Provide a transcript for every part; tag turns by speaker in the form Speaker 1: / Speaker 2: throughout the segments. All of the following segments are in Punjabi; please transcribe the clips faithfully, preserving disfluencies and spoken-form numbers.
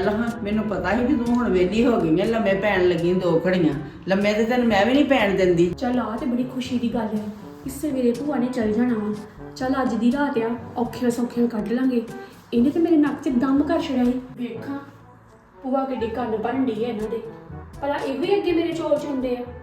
Speaker 1: ਚੱਲ ਹਾਂ ਮੈਨੂੰ ਪਤਾ ਸੀ ਵੀ ਤੂੰ ਹੁਣ ਵਿਹਲੀ ਹੋ ਗਈ ਹੈ, ਲੰਮੇ ਪੈਣ ਲੱਗੀ ਦੋ ਘੜੀਆਂ। ਲੰਮੇ ਤੇ ਤੈਨੂੰ ਮੈਂ ਵੀ ਨਹੀਂ ਪੈਣ ਦਿੰਦੀ।
Speaker 2: ਚੱਲ ਆ ਤੇ ਬੜੀ ਖੁਸ਼ੀ ਦੀ ਗੱਲ ਹੈ, ਇਸ ਸਵੇਰੇ ਭੂਆ ਨੇ ਚੱਲ ਜਾਣਾ ਵਾ। ਚੱਲ ਅੱਜ ਦੀ ਰਾਤ ਆ, ਔਖੇ ਸੌਖੇ ਕੱਢ ਲਾਂਗੇ। ਇਹਨੇ ਤੇ ਮੇਰੇ ਨੱਕ 'ਚ ਦਮ ਕਰ ਛੜਿਆ ਸੀ। ਵੇਖਾਂ ਭੂਆ ਕਿੱਡੀ ਕੰਨ ਭਰਨ ਡਈ ਹੈ ਇਹਨਾਂ ਦੇ, ਭਲਾ ਇਹ ਵੀ ਅੱਗੇ ਮੇਰੇ ਚੌਲ ਚੁੰਦੇ ਆ।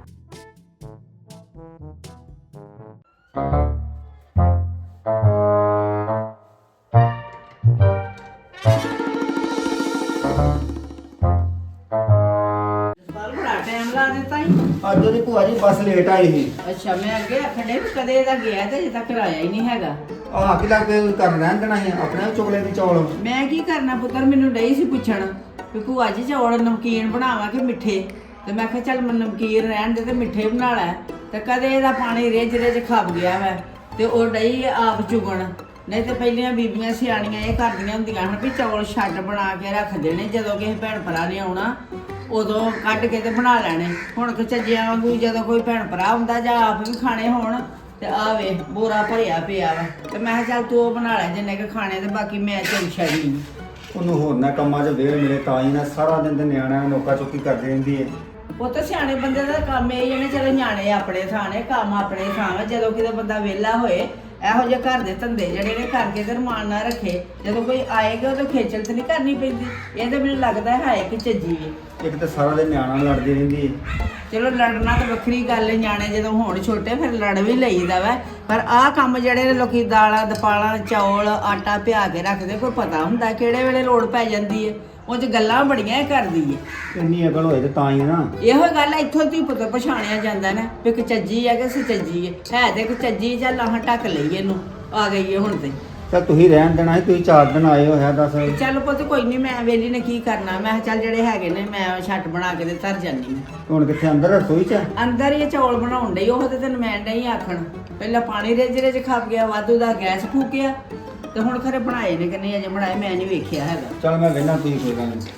Speaker 1: ਬੜਾ ਟਾਈਮ ਲਾ ਦਿੱਤਾ ਹੀ।
Speaker 3: ਅੱਜ ਉਹਦੀ ਭੂਆ ਜੀ ਬੱਸ ਲੇਟ ਆਈ ਸੀ।
Speaker 1: ਅੱਛਾ, ਮੈਂ ਅੱਗੇ ਆਖਣ ਡਈ ਵੀ ਕਦੇ ਇਹਦਾ ਗਿਆ ਤੇ ਅਜੇ ਤੱਕ ਆਇਆ ਹੀ ਨਹੀਂ ਹੈਗਾ।
Speaker 3: ਆਹ ਕਿ ਲੱਗ ਕੇ ਕਰ ਰਹਿਣ ਦੇਣਾ ਸੀ ਆਪਣੇ ਚੁਗਲੇ ਦੀ ਚੌਲ।
Speaker 1: ਮੈਂ ਕੀ ਕਰਨਾ ਪੁੱਤਰ, ਮੈਨੂੰ ਡਈ ਸੀ ਪੁੱਛਣ ਵੀ ਭੂਆ ਜੀ ਚੌਲ ਨਮਕੀਨ ਬਣਾਵਾਂ ਕਿ ਮਿੱਠੇ। ਤੇ ਮੈਂ ਕਿਹਾ ਚੱਲ ਮੈਂ ਨਮਕੀਨ ਰਹਿਣ ਦੇ ਤੇ ਮਿੱਠੇ ਬਣਾ ਲੈ। ਤੇ ਕਦੇ ਇਹਦਾ ਪਾਣੀ ਰਿੱਝ ਰਿੱਝ ਖੱਪ ਗਿਆ ਵਾ ਤੇ ਉਹ ਡਈ ਆਪ ਚੁਗਣ। ਨਹੀਂ ਤੇ ਪਹਿਲੀਆਂ ਬੀਬੀਆਂ ਸਿਆਣੀਆਂ ਇਹ ਕਰਦੀਆਂ ਹੁੰਦੀਆਂ ਹਨ ਵੀ ਚੌਲ ਛੱਡ ਬਣਾ ਕੇ ਰੱਖ ਦੇਣੇ, ਜਦੋਂ ਕਿਸੇ ਭੈਣ ਭਰਾ ਨੇ ਆਉਣਾ ਉਦੋਂ ਕੱਢ ਕੇ ਤੇ ਬਣਾ ਲੈਣੇ। ਹੁਣ ਕਿ ਚੱਜਿਆਂ ਵਾਂਗੂ ਜਦੋਂ ਕੋਈ ਭੈਣ ਭਰਾ ਹੁੰਦਾ ਜਾਂ ਆਪ ਵੀ ਖਾਣੇ ਹੋਣ ਤੇ ਆ ਵੇ ਬੋਰਾ ਭਰਿਆ ਪਿਆ ਵਾ। ਤੇ ਮੈਂ ਕਿਹਾ ਚੱਲ ਤੂੰ ਉਹ ਬਣਾ ਲੈ ਜਿੰਨੇ ਕੁ ਖਾਣੇ, ਤੇ ਬਾਕੀ ਮੈਂ ਚੱਲ ਛੱਡੀ।
Speaker 3: ਉਹਨੂੰ ਹੋਰ ਨਾ ਕੰਮਾਂ 'ਚ ਵੇਲ ਮਿਲੇ ਤਾਂ ਹੀ ਨਾ ਸਾਰਾ ਦਿਨ ਤੇ ਨਿਆਣਿਆਂ ਨੂੰ ਨੋਕਾ ਚੁੱਕੀ ਕਰਦੀ ਰਹਿੰਦੀ ਹੈ।
Speaker 1: ਉਹ ਤਾਂ ਸਿਆਣੇ ਬੰਦੇ ਦਾ ਕੰਮ ਇਹ ਜਿਹਨੇ ਚਲੋ ਨਿਆਣੇ ਆਪਣੇ ਥਾਂ ਨੇ, ਕੰਮ ਆਪਣੇ ਥਾਂ ਵਾ। ਜਦੋਂ ਕਿਤੇ ਬੰਦਾ ਵਿਹਲਾ ਹੋਏ ਇਹੋ ਜਿਹੇ ਘਰ ਦੇ ਧੰਦੇ ਜਿਹੜੇ ਨੇ ਕਰਕੇ ਤੇ ਰਮਾਨ ਨਾਲ ਰੱਖੇ, ਜਦੋਂ ਕੋਈ ਆਏਗਾ ਉਹਦੇ ਖੇਚਲ ਤੇ ਨਹੀਂ ਕਰਨੀ ਪੈਂਦੀ। ਇਹ ਤਾਂ ਮੈਨੂੰ ਲੱਗਦਾ ਹੈ ਕਿ ਚੱਜੀ ਹੈ।
Speaker 3: ਇੱਕ ਤਾਂ ਸਾਰਾ ਦਿਨ ਨਿਆਣਾ ਨਾਲ ਲੜਦੀ ਰਹਿੰਦੀ ਹੈ।
Speaker 1: ਚਲੋ ਲੜਨਾ ਤਾਂ ਵੱਖਰੀ ਗੱਲ ਹੈ, ਨਿਆਣੇ ਜਦੋਂ ਹੋਣ ਛੋਟੇ ਫਿਰ ਲੜ ਵੀ ਲਈਦਾ ਵਾ। ਪਰ ਆਹ ਕੰਮ ਜਿਹੜੇ ਨੇ ਲੋਕੀ ਦਾਲਾਂ ਦਪਾਲਾਂ ਚੌਲ ਆਟਾ ਪਿਆ ਕੇ ਰੱਖਦੇ, ਕੋਈ ਪਤਾ ਹੁੰਦਾ ਕਿਹੜੇ ਵੇਲੇ ਲੋੜ ਪੈ ਜਾਂਦੀ ਹੈ। ਉਹ 'ਚ ਗੱਲਾਂ ਬੜੀਆਂ ਹੀ ਕਰਦੀ ਹੈ।
Speaker 3: ਇੰਨੀ ਅਕਲ ਹੋਏ ਤੇ ਤਾਂ ਹੀ ਨਾ।
Speaker 1: ਇਹੋ ਗੱਲ ਇੱਥੋਂ ਦੀ ਪੁੱਤ ਪਛਾਣਿਆ ਜਾਂਦਾ ਨਾ ਵੀ ਕਿ ਚੱਜੀ ਹੈ ਕਿ ਸੱਚੀ ਹੈ। ਹੈ ਤੇ ਕਿ ਚੱਜੀ ਜਾਂ ਲਾਹਾਂ ਢੱਕ ਲਈ ਇਹਨੂੰ ਆ ਗਈ ਹੈ ਹੁਣ ਤੇ।
Speaker 3: ਚੱਲ ਤੁਸੀਂ ਰਹਿਣ ਦੇਣਾ ਸੀ, ਤੁਸੀਂ ਚਾਰ ਦਿਨ ਆਏ ਹੋਇਆ ਦੱਸ।
Speaker 1: ਚੱਲ ਪੁੱਤ ਕੋਈ ਨਹੀਂ, ਮੈਂ ਵੇਲੀ ਨੇ ਕੀ ਕਰਨਾ। ਮੈਂ ਕਿਹਾ ਚੱਲ ਜਿਹੜੇ ਹੈਗੇ ਨੇ ਮੈਂ ਛੱਟ ਬਣਾ ਕੇ ਤੇ ਧਰ ਜਾਨੀ ਹਾਂ।
Speaker 3: ਹੁਣ ਕਿੱਥੇ ਅੰਦਰ ਰਸੋਈ 'ਚ?
Speaker 1: ਅੰਦਰ ਹੀ ਚੌਲ ਬਣਾਉਣ ਡਈ। ਉਹ ਤੇ ਤੈਨੂੰ ਮੈਂ ਨਹੀਂ ਆਖਣ, ਪਹਿਲਾਂ ਪਾਣੀ ਰਿੱਝ ਰਿੱਝ ਖੱਪ ਗਿਆ, ਵਾਧੂ ਦਾ ਗੈਸ ਫੂਕਿਆ ਤੇ ਹੁਣ ਖਰੇ ਬਣਾਏ ਨੇ ਕਿ ਨਹੀਂ ਅਜੇ ਬਣਾਏ ਮੈਂ ਨਹੀਂ ਵੇਖਿਆ ਹੈਗਾ।
Speaker 3: ਚੱਲ ਮੈਂ ਵੇਖਣਾ, ਤੁਸੀਂ ਕੋਈ ਗੱਲ ਨਹੀਂ।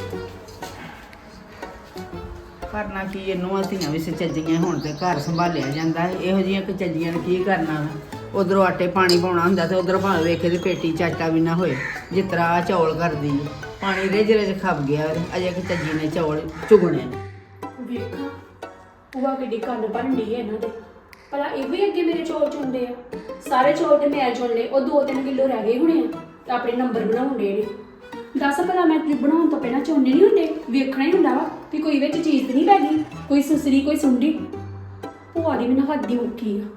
Speaker 1: ਕਰਨਾ ਕੀ, ਇਹਨੂੰ ਧੀਆਂ ਵੀ ਸੱਚੀਆਂ ਹੁਣ ਤੇ ਘਰ ਸੰਭਾਲਿਆ ਜਾਂਦਾ ਹੈ। ਇਹੋ ਜਿਹੀਆਂ ਕਚੱਜੀਆਂ ਨੇ ਕੀ ਕਰਨਾ ਵਾ। ਉਧਰੋਂ ਆਟੇ ਪਾਣੀ ਪਾਉਣਾ ਹੁੰਦਾ ਤੇ ਉਧਰੋਂ ਭਾਵੇਂ ਵੇਖੇ ਤੇ ਪੇਟੀ ਚਾਟਾ ਵੀ ਨਾ ਹੋਏ, ਜਿਸ ਤਰ੍ਹਾਂ ਆਹ ਚੌਲ ਕਰਦੀ ਹੈ। ਪਾਣੀ ਰਿੱਝ ਰਿੱਝ ਖੱਪ ਗਿਆ ਅਜੇ ਕਚੱਜੀ ਨੇ ਚੌਲ ਚੁਗਣੇ ਨੇ।
Speaker 2: ਵੇਖਾਂ ਭੂਆ ਕਿੱਡੀ ਕੰਨ ਭਰਨ ਡਈ ਹੈ ਇਹਨਾਂ ਦੇ, ਭਲਾ ਇਹ ਵੀ ਅੱਗੇ ਮੇਰੇ ਚੌਲ ਚੁੰਦੇ ਆ। ਸਾਰੇ ਚੌਲ ਤੇ ਮੈਂ ਚੁਣ ਲਏ, ਉਹ ਦੋ ਤਿੰਨ ਕਿਲੋ ਰਹਿ ਗਏ ਹੋਣੇ ਆ ਤੇ ਆਪਣੇ ਨੰਬਰ ਬਣਾਉਣ ਡੇ ਨੇ। ਦੱਸ ਭਲਾ ਮੈਂ ਬਣਾਉਣ ਤੋਂ ਪਹਿਲਾਂ ਚੋਣੇ ਨਹੀਂ ਹੁੰਦੇ, ਵੇਖਣਾ ਹੀ ਹੁੰਦਾ ਵਾ ਵੀ ਕੋਈ ਵਿੱਚ ਚੀਜ਼ ਤੇ ਨਹੀਂ ਪੈ ਗਈ, ਕੋਈ ਸੁਸਰੀ ਕੋਈ ਸੁੰਡੀ। ਭੂਆ ਦੀ ਮੈਨੂੰ ਹੱਦ ਦੀ ਮੁੱਕੀ ਆ।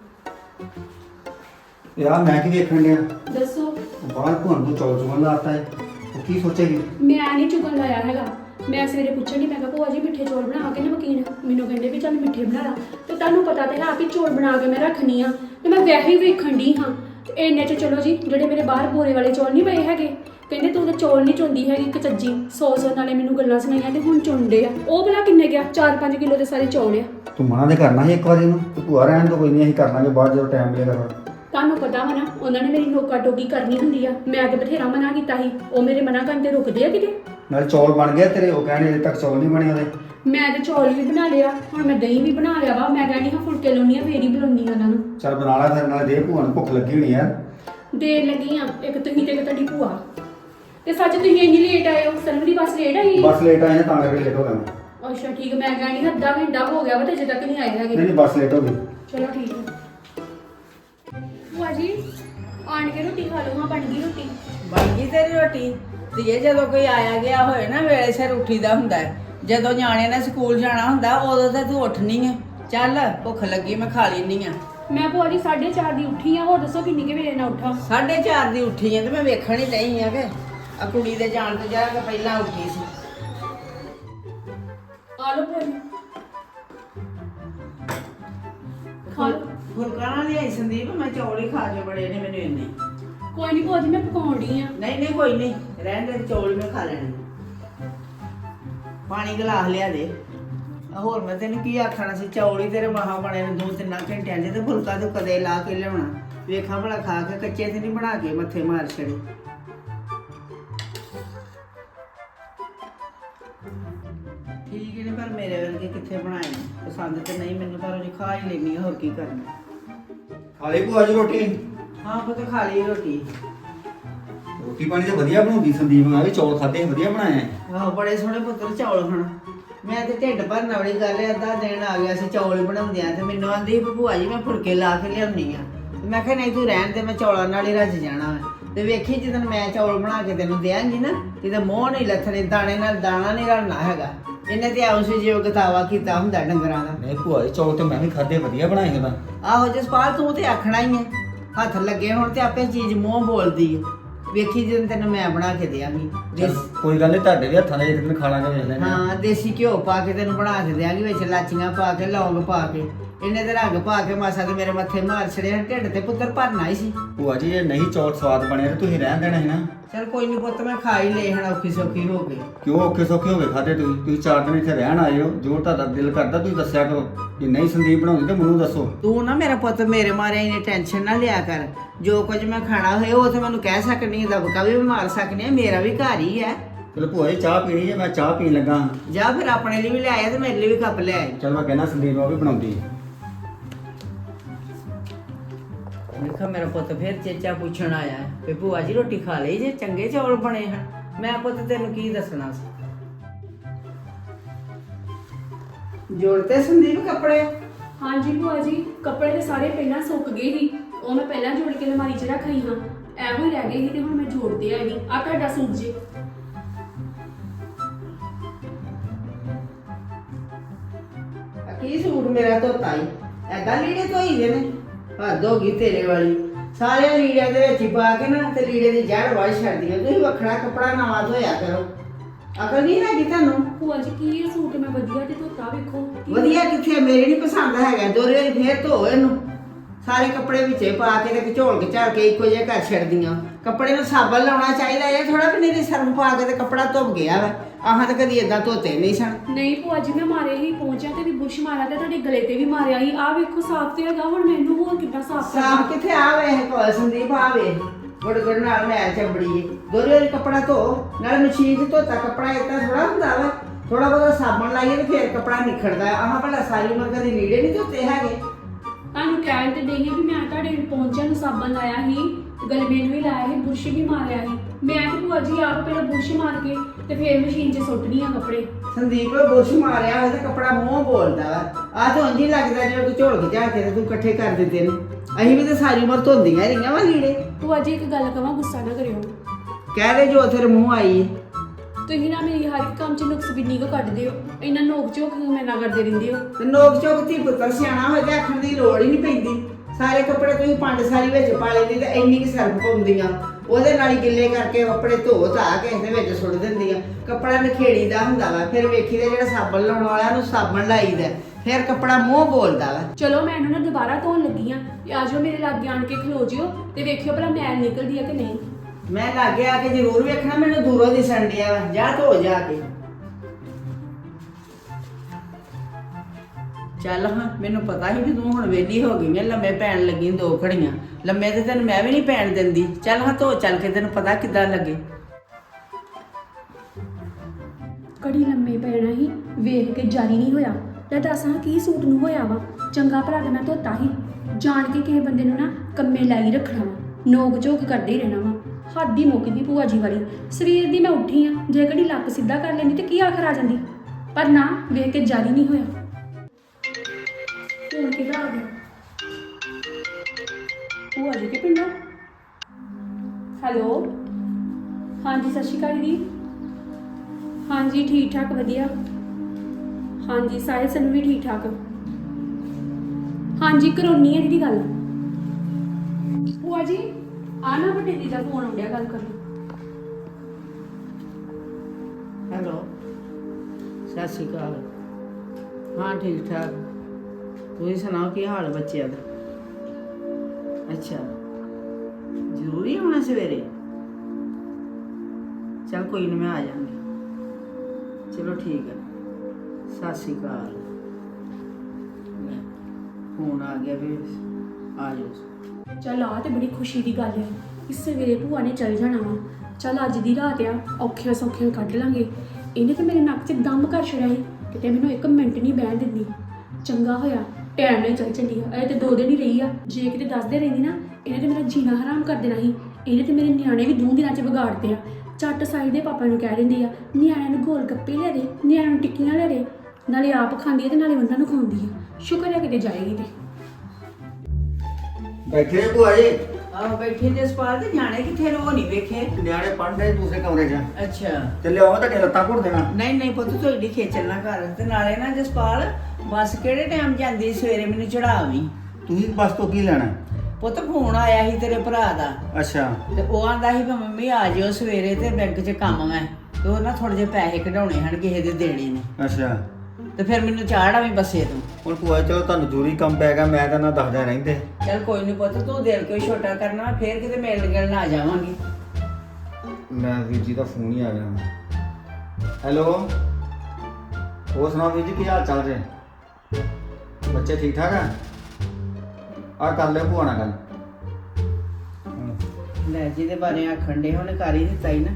Speaker 3: ਯਾਰ ਮੈਂ ਕੀ ਵੇਖਣ ਡਿਆ?
Speaker 2: ਦੱਸੋ
Speaker 3: ਬਾਹਰ ਭੂਆ ਨੂੰ ਚੌਲ ਚੁਗਣ ਲਾਤਾ ਹੈ, ਉਹ ਕੀ ਸੋਚੇਗੀ?
Speaker 2: ਮੈਂ ਨਹੀਂ ਚੁਗਣ ਲਾਇਆ ਹੈਗਾ। ਮੈਂ ਸਵੇਰੇ ਪੁੱਛਣ ਦੀ, ਮੈਂ ਕਿਹਾ ਭੂਆ ਜੀ ਮਿੱਠੇ ਚੌਲ ਬਣਾ ਕੇ ਨਮਕੀਨ। ਮੈਨੂੰ ਕਹਿੰਦੇ ਵੀ ਚੱਲ ਮਿੱਠੇ ਬਣਾ ਲਾ। ਤੇ ਤੁਹਾਨੂੰ ਪਤਾ ਤੇ ਹੈ ਵੀ ਚੌਲ ਬਣਾ ਕੇ ਮੈਂ ਰੱਖਣੀ ਆ ਤੇ ਮੈਂ ਵੈਸੇ ਹੀ ਵੇਖਣ ਦੀ ਹਾਂ। ਤੇ ਇੰਨੇ 'ਚ ਚਲੋ ਜੀ ਜਿਹੜੇ ਮੇਰੇ ਬਾਹਰ ਬੋਰੇ ਵਾਲੇ ਚੌਲ ਨਹੀਂ ਪਏ ਹੈਗੇ, ਕਹਿੰਦੇ ਤੂੰ ਤਾਂ ਚੌਲ ਨਹੀਂ ਚੁੰਦੀ ਹੈਗੀ ਕਚੱਜੀ। ਸੌ ਸੌ ਨਾਲੇ ਮੈਨੂੰ ਗੱਲਾਂ ਸੁਣਾਈਆਂ ਤੇ ਹੁਣ ਚੁੰਡੇ ਆ। ਉਹ ਭਲਾ ਕਿੰਨੇ ਗਿਆ? ਚਾਰ ਪੰਜ ਕਿਲੋ ਦੇ ਸਾਰੇ ਚੌਲ ਆ।
Speaker 3: ਤੂੰ ਮਨਾ ਤੇ ਕਰਨਾ ਸੀ ਇੱਕ ਵਾਰੀ ਇਹਨੂੰ, ਤੂੰ ਭੂਆ ਰਹਿਣ ਤੋਂ ਕੋਈ ਨਹੀਂ, ਅਸੀਂ ਕਰ ਲਾਂਗੇ ਬਾਅਦ ਜਦੋਂ ਟਾਈਮ ਮਿਲੇਗਾ।
Speaker 2: ਤੁਹਾਨੂੰ ਪਤਾ ਵਾ ਨਾ ਉਹਨਾਂ ਨੇ ਮੇਰੀ ਨੋਕਾ ਟੋਕੀ ਕਰਨੀ ਹੁੰਦੀ ਆ। ਮੈਂ ਤੇ ਬਥੇਰਾ ਮਨਾ ਕੀਤਾ ਸੀ, ਉਹ ਮੇਰੇ ਮਨਾ ਕਰਨ ਤੇ ਰੁਕਦੇ ਆ ਕਿਤੇ?
Speaker 3: ਨਾਲ ਚੌਲ ਬਣ ਗਏ ਤੇਰੇ, ਉਹ ਕਹਿਣੇ ਅਜੇ ਤੱਕ ਚੌਲ ਨਹੀਂ ਬਣੇ ਉਹਦੇ।
Speaker 2: ਮੈਂ ਤੇ ਚੌਲ ਵੀ ਬਣਾ ਲਿਆ, ਹੁਣ ਮੈਂ ਦਹੀਂ ਵੀ ਬਣਾ ਲਿਆ ਵਾ। ਮੈਂ ਕਹਿੰਦੀ ਹਾਂ ਫੁਲਕੇ ਲਾਉਣੀ ਆ, ਫੇਰ ਹੀ ਬੁਲਾਉਣੀ ਆ ਉਹਨਾਂ ਨੂੰ।
Speaker 3: ਚੱਲ ਬਣਾ ਲਾ ਫਿਰ, ਨਾਲੇ ਦੇ ਭੂਆ ਨੂੰ ਭੁੱਖ ਲੱਗੀ ਹੋਣੀ ਯਾਰ।
Speaker 2: ਦੇਰ ਲੱਗੀ ਆ, ਇੱਕ ਤੁਸੀਂ ਤੇ ਇੱਕ ਤੁਹਾਡੀ ਭੂਆ। ਤੇ ਸੱਚ ਤੁਸੀਂ ਇੰਨੀ ਲੇਟ ਆਏ ਹੋ? ਸਰਵ ਦੀ ਬੱਸ ਲੇਟ ਆਈ?
Speaker 3: ਬੱਸ ਲੇਟ ਆਏ ਨੇ ਤਾਂ ਕਰਕੇ ਲੇਟ ਹੋ ਗਿਆ ਮੈਂ।
Speaker 2: ਅੱਛਾ ਠੀਕ, ਮੈਂ ਕਹਿੰਦੀ ਅੱਧਾ ਘੰਟਾ ਹੋ ਗਿਆ ਵਾ ਤੇ ਅਜੇ ਤੱਕ ਨਹੀਂ ਆਏ ਹੈਗੇ।
Speaker 3: ਨਹੀਂ ਨਹੀਂ ਬੱਸ ਲੇਟ ਹੋ ਗਈ।
Speaker 2: ਚਲੋ ਠੀਕ ਹੈ। ਭੂਆ ਜੀ ਆਣ ਕੇ ਰੋਟੀ ਖਾ ਲਓ। ਹਾਂ ਬਣ ਗਈ ਰੋਟੀ।
Speaker 1: ਬਣ ਗਈ ਤੇਰੀ ਰੋਟੀ? ਧੀਏ ਜਦੋਂ ਕੋਈ ਆਇਆ ਗਿਆ ਹੋਏ ਨਾ ਵੇਲੇ ਸਿਰ ਉੱਠੀਦਾ ਹੁੰਦਾ ਹੈ। ਜਦੋਂ ਨਿਆਣੇ ਨੇ ਸਕੂਲ ਜਾਣਾ ਹੁੰਦਾ ਉਦੋਂ ਤਾਂ ਤੂੰ ਉੱਠਣੀ ਹੈ। ਚੱਲ ਭੁੱਖ ਲੱਗੀ ਮੈਂ ਖਾ ਲੈਣੀ ਆ।
Speaker 2: ਮੈਂ ਭੂਆ ਜੀ ਸਾਢੇ ਚਾਰ ਦੀ ਉੱਠੀ ਆ। ਹੋਰ ਦੱਸੋ ਕਿੰਨੀ ਕੁ ਵੇਲੇ ਨਾਲ ਉੱਠਾਂ?
Speaker 1: ਸਾਢੇ ਚਾਰ ਦੀ ਉੱਠੀ ਆ ਤੇ ਮੈਂ ਵੇਖਣ ਹੀ ਨਹੀਂ ਆ ਕਿ ਆ ਕੁੜੀ ਦੇ ਜਾਣ ਤੋਂ ਜਰਾ ਕਿ ਪਹਿਲਾਂ ਉੱਠੀ ਸੀ।
Speaker 2: ਆ ਲਓ ਭੂਆ ਜੀ ਖਾ ਲਓ।
Speaker 1: ਫੁਲਕਾ ਨਾ ਲਿਆਈ ਸੰਦੀਪ, ਮੈਂ ਚੌਲ ਹੀ ਖਾ ਕੇ ਬੜੇ ਨੇ ਮੈਨੂੰ ਇੰਨੇ।
Speaker 2: ਕੋਈ ਨਹੀਂ ਭੂਆ ਜੀ ਮੈਂ ਪਕਾਉਣ ਡਈ ਆ।
Speaker 1: ਨਹੀਂ ਨਹੀਂ ਕੋਈ ਨਹੀਂ, ਰਹਿਣ ਦੇ, ਚੌਲ ਮੈਂ ਖਾ ਲੈਣੇ। ਪਾਣੀ ਗਲਾਸ ਲਿਆ ਦੇ। ਹੋਰ ਮੈਂ ਤੈਨੂੰ ਕੀ ਆਖਣਾ ਸੀ, ਚੌਲ ਹੀ ਤੇਰੇ ਮਹਾ ਬਣੇ ਨੇ ਦੋ ਤਿੰਨ ਘੰਟਿਆਂ ਦੇ, ਤੇ ਫੁਲਕਾ ਤੂੰ ਕਦੇ ਲਾ ਕੇ ਲਿਆਉਣਾ। ਵੇਖਾਂ ਭਲਾ ਖਾ ਕੇ ਕੱਚੇ ਤੇ ਨਹੀਂ ਬਣਾ ਕੇ ਮੱਥੇ ਮਾਰ ਛੜੇ। ਠੀਕ ਨੇ ਪਰ ਮੇਰੇ ਵਰਗੇ ਕਿੱਥੇ ਬਣਾਏ ਨੇ, ਪਸੰਦ ਤੇ ਨਹੀਂ ਮੈਨੂੰ, ਪਰ ਉਹ ਖਾ ਹੀ ਲੈਣੀ, ਹੋਰ ਕੀ ਕਰਨਾ।
Speaker 3: ਖਾ ਲਈ ਭੂਆ ਜੀ ਰੋਟੀ?
Speaker 1: ਹਾਂ ਪੁੱਤ ਖਾ ਲਈ ਰੋਟੀ।
Speaker 3: ਰੋਟੀ ਪਾਣੀ ਤਾਂ ਵਧੀਆ ਬਣਾਉਂਦੀ ਸੰਦੀਪ, ਮੈਂ ਵੀ ਚੌਲ ਖਾਦੇ ਵਧੀਆ ਬਣਾਏ ਆ।
Speaker 1: ਆਹੋ ਬੜੇ ਸੋਹਣੇ ਪੁੱਤਰ ਚੌਲ ਖਾਣ। ਮੈਂ ਤੇ ਢਿੱਡ ਭਰਨ ਵਾਲੀ ਗੱਲ ਐ, ਅੱਧਾ ਦਿਨ ਆ ਗਿਆ ਸੀ ਚੌਲ ਬਣਾਉਂਦਿਆਂ ਤੇ ਮੈਨੂੰ ਆਂਦੀ ਵੀ ਭੂਆ ਜੀ ਮੈਂ ਫੁਲਕੇ ਲਾ ਕੇ ਲਿਆਉਣੀ ਆ। ਤੇ ਮੈਂ ਕਿਹਾ ਨਹੀਂ ਤੂੰ ਰਹਿਣ ਦੇ, ਮੈਂ ਚੌਲਾਂ ਨਾਲ ਹੀ ਰੱਜ ਜਾਣਾ ਵਾ। ਤੇ ਵੇਖੀ ਜਦੋਂ ਮੈਂ ਚੌਲ ਬਣਾ ਕੇ ਤੈਨੂੰ ਦਿਆਂਗੀ ਨਾ, ਕਿਤੇ ਮੂੰਹ ਨਹੀਂ ਲੱਥਣੇ, ਦਾਣੇ ਨਾਲ ਦਾਣਾ ਨਹੀਂ ਰਲਣਾ ਹੈਗਾ। ਇਹਨੇ ਤੇ ਆਉਂ ਸੀ ਜਿਵੇਂ ਗਤਾਵਾ ਕੀਤਾ ਹੁੰਦਾ ਡੰਗਰਾਂ ਦਾ।
Speaker 3: ਨਹੀਂ ਭੂਆ ਜੀ ਚੌਲ ਤੇ ਮੈਂ ਵੀ ਖਾਦੇ ਵਧੀਆ ਬਣਾਏ ਉਹਦਾ।
Speaker 1: ਆਹੋ ਜਸਪਾਲ ਤੂੰ ਤੇ ਆਖਣਾ ਹੀ ਐ, ਹੱਥ ਲੱਗੇ ਹੁਣ ਤੇ ਆਪੇ ਚੀਜ਼ ਮੂੰਹ ਬੋਲਦੀ ਐ। ਵੇਖੀ ਜਦੋਂ ਤੈਨੂੰ ਮੈਂ ਬਣਾ ਕੇ ਦਿਆਂਗੀ।
Speaker 3: ਚੱਲ ਕੋਈ ਗੱਲ ਨਹੀਂ, ਤੁਹਾਡੇ ਵੀ ਹੱਥਾਂ ਦਾ ਇੱਕ ਦਿਨ ਖਾ ਲਾਂਗੇ, ਵੇਖ ਲੈਂਦੇ ਹਾਂ।
Speaker 1: ਹਾਂ ਦੇਸੀ ਘਿਓ ਪਾ ਕੇ ਤੈਨੂੰ ਬਣਾ ਕੇ ਦਿਆਂਗੀ, ਵਿੱਚ ਲਾਚੀਆਂ ਪਾ ਕੇ, ਲੌਂਗ ਪਾ ਕੇ, ਇਹਨੇ ਤੇ ਰੰਗ ਪਾ ਕੇ ਮਾਸਾ ਤੇ ਮੇਰੇ ਮੱਥੇ ਮਾਰ ਛੜਿਆ, ਢਿੱਡ ਤੇ ਪੁੱਤਰ ਭਰਨਾ ਹੀ ਸੀ।
Speaker 3: ਭੂਆ ਜੀ ਇਹ ਨਹੀਂ ਚੌਲ ਸਵਾਦ ਬਣੇ ਤੇ ਤੁਸੀਂ ਰਹਿਣ ਦੇਣਾ ਸੀ ਨਾ।
Speaker 1: ਚਲ ਕੋਈ ਨਹੀਂ ਪੁੱਤ, ਮੈਂ ਖਾ ਹੀ ਲਏ ਹੁਣ ਔਖੀ ਸੌਖੀ ਹੋ ਗਈ।
Speaker 3: ਕਿਉਂ ਔਖੇ ਸੌਖੇ ਹੋ ਗਏ ਖਾਦੇ ਤੁਸੀਂ? ਤੁਸੀਂ ਚਾਰ ਦਿਨ ਇੱਥੇ ਰਹਿਣ ਆਏ ਹੋ, ਜੋ ਤੁਹਾਡਾ ਦਿਲ ਕਰਦਾ ਤੁਸੀਂ ਦੱਸਿਆ ਕਰੋ। ਜੇ ਨਹੀਂ ਸੰਦੀਪ ਬਣਾਉਂਦੀ ਤੇ ਮੈਨੂੰ ਦੱਸੋ।
Speaker 1: ਤੂੰ ਨਾ ਮੇਰਾ ਪੁੱਤ ਮੇਰੇ ਮਾਰੇ ਇਹਨੇ ਟੈਨਸ਼ਨ ਨਾ ਲਿਆ ਕਰ। ਜੋ ਕੁਝ ਮੈਂ ਖਾਣਾ ਹੋਏ ਉਹ ਤੇ ਮੈਨੂੰ ਕਹਿ ਸਕਨੀ ਹੈ, ਦਬਕਾ ਵੀ ਮਾਰ ਸਕਨੀ ਹੈ, ਮੇਰਾ ਵੀ ਘਰ ਹੀ ਹੈ।
Speaker 3: ਚਲੋ ਭੂਆ ਜੀ ਚਾਹ ਪੀਣੀ ਹੈ, ਮੈਂ ਚਾਹ ਪੀਣ ਲੱਗਾ।
Speaker 1: ਜਾ ਫਿਰ ਆਪਣੇ ਲਈ ਵੀ ਲੈ ਆਇਆ ਤੇ ਮੇਰੇ ਲਈ ਵੀ ਕੱਪ ਲੈ ਆਇਆ।
Speaker 3: ਚਲ ਮੈਂ ਕਹਿੰਦਾ ਸੰਦੀਪ ਉਹ ਵੀ ਬਣਾਉਂਦੀ ਹੈ।
Speaker 1: ਵੇਖਾ ਮੇਰਾ ਪੁੱਤ ਫਿਰ ਚੇਚਾ ਪੁੱਛਣ ਆਇਆ ਵੀ ਭੂਆ ਜੀ ਰੋਟੀ ਖਾ ਲਈ ਜੇ, ਚੰਗੇ ਚੌਲ ਬਣੇ ਹਨ। ਮੈਂ ਪੁੱਤ ਤੈਨੂੰ ਕੀ ਦੱਸਣਾ ਸੀ। ਜੋੜਤੇ ਸੰਦੀਪ ਕੱਪੜੇ?
Speaker 2: ਹਾਂਜੀ ਭੂਆ ਜੀ, ਕੱਪੜੇ ਤੇ ਸਾਰੇ ਪਹਿਲਾਂ ਸੁੱਕ ਗਏ ਸੀ, ਉਹ ਮੈਂ ਪਹਿਲਾਂ ਜੋੜ ਕੇ ਅਲਮਾਰੀ 'ਚ ਰੱਖ ਆਈ ਹਾਂ। ਇਹੋ ਹੀ ਰਹਿ ਗਏ ਸੀ ਤੇ ਹੁਣ ਮੈਂ ਜੋੜਦੇ ਆ ਨਹੀਂ। ਆ ਤੁਹਾਡਾ ਸੂਟ ਜੀ।
Speaker 1: ਆ ਕੀ ਸੂਟ ਮੇਰਾ ਧੋਤਾ ਹੀ ਐਦਾਂ ਲੀੜੇ ਧੋਈ ਦੇ ਨੇ? ਹੱਦ ਹੋ ਗਈ ਤੇਰੇ ਵਾਲੀ। ਸਾਰੇ ਲੀੜਿਆਂ ਦੇ ਵਿੱਚ ਹੀ ਪਾ ਕੇ ਨਾ ਤੇ ਲੀੜੇ ਦੀ ਜੜ ਵਾਹ ਛੱਡਦੀਆਂ। ਤੁਸੀਂ ਵੱਖਰਾ ਕੱਪੜਾ ਨਵਾਂ ਧੋਇਆ ਕਰੋ, ਅਕਲ ਨਹੀਂ ਹੈਗੀ ਤੁਹਾਨੂੰ?
Speaker 2: ਭੂਆ ਜੀ ਕੀ ਇਹ ਸੂਟ ਮੈਂ ਵਧੀਆ ਤੇ ਧੋਤਾ ਵੇਖੋ। ਕੀ-
Speaker 1: ਵਧੀਆ ਕਿੱਥੇ, ਮੇਰੇ ਨਹੀਂ ਪਸੰਦ ਹੈਗਾ। ਦੋਰੇ ਵਾਰੀ ਫੇਰ ਧੋ ਇਹਨੂੰ। ਸਾਰੇ ਕੱਪੜੇ ਵਿੱਚੇ ਪਾ ਕੇ ਤੇ ਝੋਲ ਕੇ ਝਾੜ ਕੇ ਇੱਕੋ ਜਿਹਾ ਕਰ ਛੱਡਦੀਆਂ। ਕੱਪੜੇ ਨੂੰ ਸਾਬਣ ਲਾਉਣਾ ਚਾਹੀਦਾ ਇਹ ਥੋੜਾ ਵੀ ਨਹੀਂ ਸਰਫ ਪਾ ਕੇ ਤੇ ਕੱਪੜਾ ਧੁੱਪ ਗਿਆ ਵਾ। ਆਹਾਂ ਤਾਂ ਕਦੀ ਏਦਾਂ ਧੋਤੇ ਨਹੀਂ ਸਨ।
Speaker 2: ਨਹੀਂ ਭੂਆ ਜੀ ਮੈਂ ਮਾਰੇ ਹੀ ਪਹੁੰਚਿਆ ਤੇ ਵੀ ਬੁਸ਼ ਮਾਰਿਆ ਤੇ ਤੁਹਾਡੇ ਗਲੇ ਤੇ ਵੀ ਮਾਰਿਆ ਸੀ। ਆਹ ਵੇਖੋ ਸਾਫ਼ ਤੇ ਹੈਗਾ। ਹੁਣ ਮੈਨੂੰ ਹੋਰ ਕਿੱਦਾਂ ਸਾਫ਼
Speaker 1: ਸਾਫ ਕਿੱਥੇ ਆ ਵੇ ਕੋਲ ਸੰਦੀਪ ਆ ਵੇ ਗੁੜ ਗੁੜ ਨਾਲ ਮੈਲ ਚੰਬੜੀ ਏ। ਦੋਰੇ ਵਾਰੀ ਕੱਪੜਾ ਧੋ ਨਾਲ ਮਸ਼ੀਨ 'ਚ ਧੋਤਾ ਕੱਪੜਾ ਏਦਾਂ ਥੋੜਾ ਹੁੰਦਾ ਵਾ। ਥੋੜਾ ਬਹੁਤਾ ਸਾਬਣ ਲਾਈਏ ਤੇ ਫੇਰ ਕੱਪੜਾ ਨਿਖੜਦਾ। ਆਹਾਂ ਭਲਾ ਸਾਰੀ ਉਮਰ ਕਦੀ ਲੀੜੇ ਨਹੀਂ ਧੋਤੇ ਹੈਗੇ।
Speaker 2: ਤੁਹਾਨੂੰ ਕਹਿਣ ਤੇ ਦੇਈ ਵੀ ਮੈਂ ਤੁਹਾਡੇ ਪਹੁੰਚਿਆ ਨੂੰ ਸਾਬਣ ਲਾਇਆ ਸੀ, ਗਲਬੇ ਨੂੰ ਵੀ ਲਾਇਆ ਸੀ, ਬੁਰਸ਼ ਵੀ ਮਾਰਿਆ ਸੀ। ਮੈਂ ਤੇ ਭੂਆ ਜੀ ਆਪ ਪਹਿਲਾਂ ਬੁਰਸ਼ ਮਾਰ ਕੇ ਤੇ ਫੇਰ ਮਸ਼ੀਨ 'ਚ ਸੁੱਟਣੀ ਆ ਕੱਪੜੇ।
Speaker 1: ਸੰਦੀਪ ਬੁਰਸ਼ ਮਾਰਿਆ ਹੋਇਆ ਤੇ ਕੱਪੜਾ ਮੂੰਹ ਬੋਲਦਾ ਵਾ। ਆ ਤਾਂ ਉਂਝ ਹੀ ਲੱਗਦਾ ਜਿਵੇਂ ਕੋਈ ਝੋਲ ਕੇ ਝਾੜ ਕੇ ਤੇ ਤੂੰ ਇਕੱਠੇ ਕਰ ਦਿੱਤੇ ਨੇ। ਅਸੀਂ ਵੀ ਤਾਂ ਸਾਰੀ ਉਮਰ ਧੋਂਦੀਆਂ ਰਹੀਆਂ ਵਾ ਲੀੜੇ।
Speaker 2: ਭੂਆ ਜੀ ਇੱਕ ਗੱਲ ਕਵਾਂ, ਗੁੱਸਾ ਨਾ ਕਰਿਓ।
Speaker 1: ਕਹਿ ਦੇ ਜੋ ਤੇਰੇ ਮੂੰਹ ਆਈ ਏ।
Speaker 2: ਤੁਸੀਂ ਨਾ ਮੇਰੀ ਹਰ ਇੱਕ ਕੰਮ 'ਚ ਨੁਕਸ ਬਿੰਨੀ ਕੋ ਕੱਢਦੇ ਹੋ। ਇੰਨਾ ਨੋਕ ਝੋਕ ਮੈਂ ਨਾ ਕਰਦੇ ਰਹਿੰਦੇ ਹੋ।
Speaker 1: ਤੇ ਨੋਕ ਝੋਕ ਧੀ ਪੁੱਤਰ ਸਿਆਣਾ ਹੋ ਜਾ, ਆਖਣ ਦੀ ਲੋੜ ਹੀ ਨਹੀਂ ਪੈਂਦੀ। ਸਾਰੇ ਕੱਪੜੇ ਤੁਸੀਂ ਪੰਡ ਸਾਰੀ ਵਿੱਚ ਪਾ ਲੈਂਦੀ ਤੇ ਇੰਨੀ ਕਿ ਸਰਫ ਪਾਉਂਦੀਆਂ, ਉਹਦੇ ਨਾਲ ਹੀ ਗਿੱਲੇ ਕਰਕੇ ਕੱਪੜੇ ਧੋ ਧਾ ਕੇ ਇਹਦੇ ਵਿੱਚ ਸੁੱਟ ਦਿੰਦੀਆਂ। ਕੱਪੜਾ ਨਖੇੜੀ ਦਾ ਹੁੰਦਾ ਵਾ, ਫਿਰ ਵੇਖੀ ਦਾ ਜਿਹੜਾ ਸਾਬਣ ਲਾਉਣ ਵਾਲਾ ਨੂੰ ਸਾਬਣ ਲਾਈਦਾ, ਫਿਰ ਕੱਪੜਾ ਮੂੰਹ ਬੋਲਦਾ ਵਾ।
Speaker 2: ਚਲੋ ਮੈਂ ਇਹਨੂੰ ਨਾ ਦੁਬਾਰਾ ਧੋਣ ਲੱਗੀ ਆ ਤੇ ਆ ਜਾਓ ਮੇਰੇ ਲਾਗੇ ਆਣ ਕੇ ਖਲੋ ਜਿਓ ਤੇ ਵੇਖਿਓ ਭਲਾ ਮੈਲ ਨਿਕਲਦੀ ਆ ਕਿ ਨਹੀਂ।
Speaker 1: ਮੈਂ ਲਾਗੇ ਆ ਕੇ ਜ਼ਰੂਰ ਵੇਖਣਾ, ਮੈਨੂੰ ਦੂਰੋਂ ਦਿਸਣ ਡਿਆ ਵਾ। ਜਾ ਧੋ ਜਾ ਕੇ। ਚੱਲ ਹਾਂ, ਮੈਨੂੰ ਪਤਾ ਸੀ ਵੀ ਤੂੰ ਹੁਣ ਵਿਹਲੀ ਹੋ ਗਈ। ਮੈਂ ਲੰਮੇ ਪੈਣ ਲੱਗੀ ਦੋ ਘੜੀਆਂ। ਲੰਮੇ ਤੇ ਤੈਨੂੰ ਮੈਂ ਵੀ ਨਹੀਂ ਪੈਣ ਦਿੰਦੀ। ਚੱਲ ਹਾਂ ਧੋ ਚੱਲ ਕੇ, ਤੈਨੂੰ ਪਤਾ ਕਿੱਦਾਂ ਲੱਗੇ।
Speaker 2: ਕੜੀ ਲੰਮੇ ਪੈਣਾ ਹੀ ਵੇਖ ਕੇ ਜਾਰੀ ਨਹੀਂ ਹੋਇਆ। ਤੇ ਦੱਸਾਂ ਕੀ ਸੂਟ ਨੂੰ ਹੋਇਆ ਵਾ। ਚੰਗਾ ਭਲਾ ਤੇ ਮੈਂ ਧੋਤਾ ਹੀ। ਜਾਣ ਕੇ ਕਿਸੇ ਬੰਦੇ ਨੂੰ ਨਾ ਕੰਮੇ ਲਾਈ ਰੱਖਣਾ ਵਾ, ਨੋਕ ਝੋਕ ਕਰਦੇ ਹੀ ਰਹਿਣਾ ਵਾ। ਹੱਦ ਹੀ ਮੁੱਕਦੀ ਭੂਆ ਜੀ ਵਾਲੀ। ਸਵੇਰ ਦੀ ਮੈਂ ਉੱਠੀ ਆ, ਜੇ ਕੜੀ ਲੱਕ ਸਿੱਧਾ ਕਰ ਲੈਂਦੀ ਤੇ ਕੀ ਆਖਰ ਆ ਜਾਂਦੀ, ਪਰ ਨਾ ਵੇਖ ਕੇ ਜਾਰੀ ਨਹੀਂ ਹੋਇਆ। ਫੋਨ ਕਿਹਦਾ ਆ ਗਿਆ? ਭੂਆ ਜੀ ਕੇ ਪਿੰਡੋਂ। ਹੈਲੋ, ਹਾਂਜੀ ਸਤਿ ਸ਼੍ਰੀ ਅਕਾਲ ਜੀ। ਹਾਂਜੀ ਠੀਕ ਠਾਕ ਵਧੀਆ। ਹਾਂਜੀ ਸਾਹਿਲ ਸਨ ਵੀ ਠੀਕ ਠਾਕ। ਹਾਂਜੀ ਕਰੋਨੀ ਹੈ ਦੀਦੀ ਗੱਲ। ਭੂਆ ਜੀ ਆ ਨਾ ਵੱਡੇ ਦੀ ਦਾ ਫੋਨ ਆਉਂਦਿਆ, ਗੱਲ ਕਰ ਲਓ।
Speaker 1: ਹੈਲੋ, ਸਤਿ ਸ਼੍ਰੀ ਅਕਾਲ। ਹਾਂ ਠੀਕ ਠਾਕ। ਤੁਸੀਂ ਸੁਣਾਓ ਕੀ ਹਾਲ ਬੱਚਿਆਂ ਦਾ? ਅੱਛਾ, ਜ਼ਰੂਰੀ ਹੋਣਾ ਸਵੇਰੇ? ਚਲ ਕੋਈ ਨਹੀਂ, ਮੈਂ ਆ ਜਾਵਾਂਗੀ। ਚਲੋ ਠੀਕ ਹੈ, ਸਤਿ ਸ਼੍ਰੀ ਅਕਾਲ। ਫੋਨ ਆ ਗਿਆ ਵੀ ਆ ਜਾਓ।
Speaker 2: ਚੱਲ ਆ ਤੇ ਬੜੀ ਖੁਸ਼ੀ ਦੀ ਗੱਲ ਹੈ। ਇਸ ਸਵੇਰੇ ਭੂਆ ਨੇ ਚੱਲ ਜਾਣਾ ਵਾ। ਚੱਲ ਅੱਜ ਦੀ ਰਾਤ ਆ, ਔਖੀਆਂ ਸੌਖੀਆਂ ਕੱਢ ਲਾਂਗੇ। ਇਹਨੇ ਤੇ ਮੇਰੇ ਨੱਕ 'ਚ ਦਮ ਕਰ ਛੜਿਆ ਸੀ, ਕਿਤੇ ਮੈਨੂੰ ਇੱਕ ਮਿੰਟ ਨਹੀਂ ਬਹਿਣ ਦਿੰਦੀ। ਚੰਗਾ ਹੋਇਆ ਟਾਈਮ ਨਾਲ ਚੱਲ ਚੱਲੀ ਆ। ਇਹ ਤੇ ਦੋ ਦਿਨ ਹੀ ਰਹੀ ਆ। ਜੇ ਕਿਤੇ ਦੱਸਦੇ ਰਹਿੰਦੀ ਨਾ, ਇਹਨੇ ਤੇ ਮੇਰਾ ਜੀਣਾ ਹਰਾਮ ਕਰ ਦੇਣਾ ਸੀ। ਇਹਨੇ ਤੇ ਮੇਰੇ ਨਿਆਣੇ ਵੀ ਦੋ ਦਿਨਾਂ 'ਚ ਵਿਗਾੜਦੇ ਆ। ਚੱਟ ਸਾਈ ਦੇ ਪਾਪਾ ਨੂੰ ਕਹਿ ਦਿੰਦੀ ਆ ਨਿਆਣਿਆਂ ਨੂੰ ਗੋਲ ਗੱਪੇ ਲਿਆ ਦੇ, ਨਿਆਣਿਆਂ ਨੂੰ ਟਿੱਕੀਆਂ ਲਿਆ ਦੇ। ਨਾਲੇ ਆਪ ਖਾਂਦੀ ਹੈ ਤੇ ਨਾਲੇ ਉਹਨਾਂ ਨੂੰ ਖਵਾਉਂਦੀ ਹੈ। ਸ਼ੁਕਰ ਹੈ ਕਿਤੇ ਜਾਏਗੀ ਤੇ।
Speaker 3: ਬੈਠੇ ਨੇ ਭੂਆ ਜੀ।
Speaker 1: ਆਹ ਬੈਠੇ ਜਸਪਾਲ ਤੇ ਨਿਆਣੇ ਕਿੱਥੇ ਰੋ ਨਹੀਂ ਵੇਖੇ।
Speaker 3: ਨਿਆਣੇ ਪੜ੍ਹਦੇ ਦੂਸਰੇ ਕਮਰੇ 'ਚ।
Speaker 1: ਅੱਛਾ
Speaker 3: ਤੇ ਲਿਆਓ ਤੁਹਾਡੇ ਲੱਤਾਂ ਘੁੱਟ ਦੇਣਾ।
Speaker 1: ਨਹੀਂ ਨਹੀਂ ਪੁੱਤ ਤੂੰ ਏਡੀ ਖੇਚਲ ਨਾ ਕਰ। ਤੇ ਨਾਲੇ ਨਾ ਜਸਪਾਲ ਬੱਸ ਕਿਹੜੇ ਟਾਈਮ ਜਾਂਦੀ ਸਵੇਰੇ ਮੈਨੂੰ ਚੜਾਵੀਂ।
Speaker 3: ਤੁਸੀਂ ਬਸ ਤੋਂ ਕੀ ਲੈਣਾ?
Speaker 1: ਪੁੱਤ ਫੋਨ ਆਇਆ ਸੀ ਤੇਰੇ ਭਰਾ ਦਾ
Speaker 3: ਅੱਛਾ
Speaker 1: ਤੇ ਉਹ ਆਂਦਾ ਸੀ ਵੀ ਮੰਮੀ ਆ ਜਿਓ ਸਵੇਰੇ ਤੇ ਬੈਂਕ 'ਚ ਕੰਮ ਹੈ ਤੇ ਉਹ ਨਾ ਥੋੜੇ ਜਿਹੇ ਪੈਸੇ ਕਢਾਉਣੇ ਹਨ ਕਿਸੇ ਦੇ ਦੇਣੇ ਨੇ।
Speaker 3: ਅੱਛਾ
Speaker 1: ਤੇ ਫਿਰ ਮੈਨੂੰ ਚਾੜ ਆਵੀਂ ਬੱਸੇ ਤੂੰ।
Speaker 3: ਹੁਣ ਭੂਆ ਚਲੋ ਤੁਹਾਨੂੰ ਜ਼ਰੂਰੀ ਕੰਮ ਪੈ ਗਿਆ, ਮੈਂ ਤਾਂ ਨਾ ਦੱਸਦਾ ਰਹਿੰਦੇ।
Speaker 1: ਚੱਲ ਕੋਈ ਨਹੀਂ ਪੁੱਤ ਤੂੰ ਦਿਲ ਕੋਈ ਛੋਟਾ ਕਰਨਾ ਮੈਂ ਫੇਰ ਕਿਤੇ ਮਿਲਣ ਗਿਲਣ ਆ ਜਾਵਾਂਗੀ।
Speaker 3: ਮੈਂ ਵੀਰ ਜੀ ਦਾ ਫੋਨ ਹੀ ਆ ਗਿਆ। ਹੈਲੋ, ਹੋਰ ਸੁਣਾਓ ਵੀਰ ਜੀ ਕੀ ਹਾਲ ਚਾਲ ਜੇ? ਬੱਚੇ ਠੀਕ ਠਾਕ ਆ? ਆ ਕਰ ਲਿਓ ਭੂਆ ਨਾਲ ਗੱਲ।
Speaker 1: ਲੈ ਜਿਹਦੇ ਬਾਰੇ ਆਖਣ ਦੇ ਉਹਨੇ ਕਰ ਹੀ ਦਿੱਤਾ ਹੀ ਨਾ।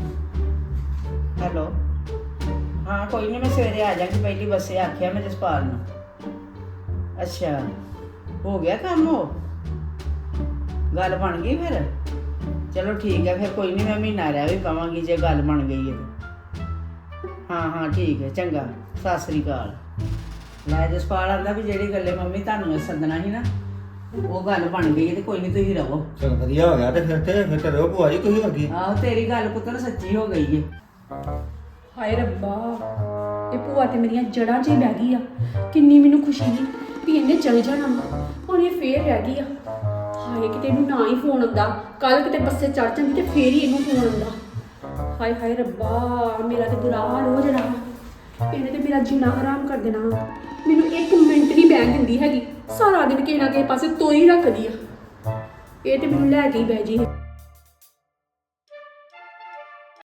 Speaker 1: ਹੈਲੋ ਹਾਂ ਕੋਈ ਨਹੀਂ ਮੈਂ ਸਵੇਰੇ ਆ ਜਾਵਾਂਗੀ ਪਹਿਲੀ ਬੱਸੇ ਆਖਿਆ ਮੈਂ ਜਸਪਾਲ ਨੂੰ। ਅੱਛਾ ਹੋ ਗਿਆ ਕੰਮ? ਉਹ ਗੱਲ ਬਣ ਗਈ ਫਿਰ? ਚਲੋ ਠੀਕ ਹੈ ਫਿਰ ਕੋਈ ਨਹੀਂ ਮੈਂ ਮਹੀਨਾ ਰਹਿ ਵੀ ਪਾਵਾਂਗੀ ਜੇ ਗੱਲ ਬਣ ਗਈ ਹੈ ਤਾਂ। ਹਾਂ ਹਾਂ ਠੀਕ ਹੈ ਚੰਗਾ ਸਤਿ ਸ੍ਰੀ ਅਕਾਲ। ਲੈ ਜਸਪਾਲ ਆਂਦਾ ਵੀ ਜਿਹੜੀ ਗੱਲੇ ਮੰਮੀ ਤੁਹਾਨੂੰ ਸੱਦਣਾ ਸੀ ਨਾ ਉਹ ਗੱਲ ਬਣ ਗਈ ਹੈ ਤੇ ਕੋਈ ਨਹੀਂ ਤੁਸੀਂ ਰਹੋ।
Speaker 3: ਚਲੋ ਵਧੀਆ ਹੋ ਗਿਆ ਤੇ ਫਿਰ ਤੇ ਫਿਰ ਤੇ ਰਹੋ ਭੂਆ ਜੀ ਤੁਸੀਂ ਅੱਗੇ।
Speaker 1: ਆਹੋ ਤੇਰੀ ਗੱਲ ਪੁੱਤਰ ਸੱਚੀ ਹੋ ਗਈ ਹੈ।
Speaker 2: ਹਾਏ ਰੱਬਾ ਇਹ ਭੂਆ ਤੇ ਮੇਰੀਆਂ ਜੜ੍ਹਾਂ 'ਚ ਹੀ ਬਹਿ ਗਈ ਆ। ਕਿੰਨੀ ਮੈਨੂੰ ਖੁਸ਼ੀ ਸੀ ਵੀ ਇਹਨੇ ਚਲ ਜਾਣਾ ਹੁਣ ਇਹ ਫੇਰ ਰਹਿ ਗਈ ਆ। ਹਾਏ ਕਿਤੇ ਇਹਨੂੰ ਨਾ ਹੀ ਫੋਨ ਆਉਂਦਾ। ਕੱਲ ਕਿਤੇ ਬੱਸੇ ਚੜ ਜਾਂਦੀ ਤੇ ਫੇਰ ਹੀ ਇਹਨੂੰ ਫੋਨ ਆਉਂਦਾ। ਹਾਏ ਹਾਏ ਰੱਬਾ ਮੇਰਾ ਤੇ ਬੁਰਾ ਹਾਲ ਹੋ ਜਾਣਾ। ਇਹਨੇ ਤੇ ਮੇਰਾ ਜੀਣਾ ਹਰਾਮ ਕਰ ਦੇਣਾ। ਮੈਨੂੰ ਇੱਕ ਮਿੰਟ ਨਹੀਂ ਬਹਿਣ ਦਿੰਦੀ ਹੈਗੀ। ਸਾਰਾ ਦਿਨ ਕਿਸੇ ਨਾ ਕਿਸੇ ਪਾਸੇ ਤੋਈ ਰੱਖਦੀ ਆ। ਇਹ ਤੇ ਮੈਨੂੰ ਲੈ ਕੇ ਹੀ ਬਹਿ ਜੀ।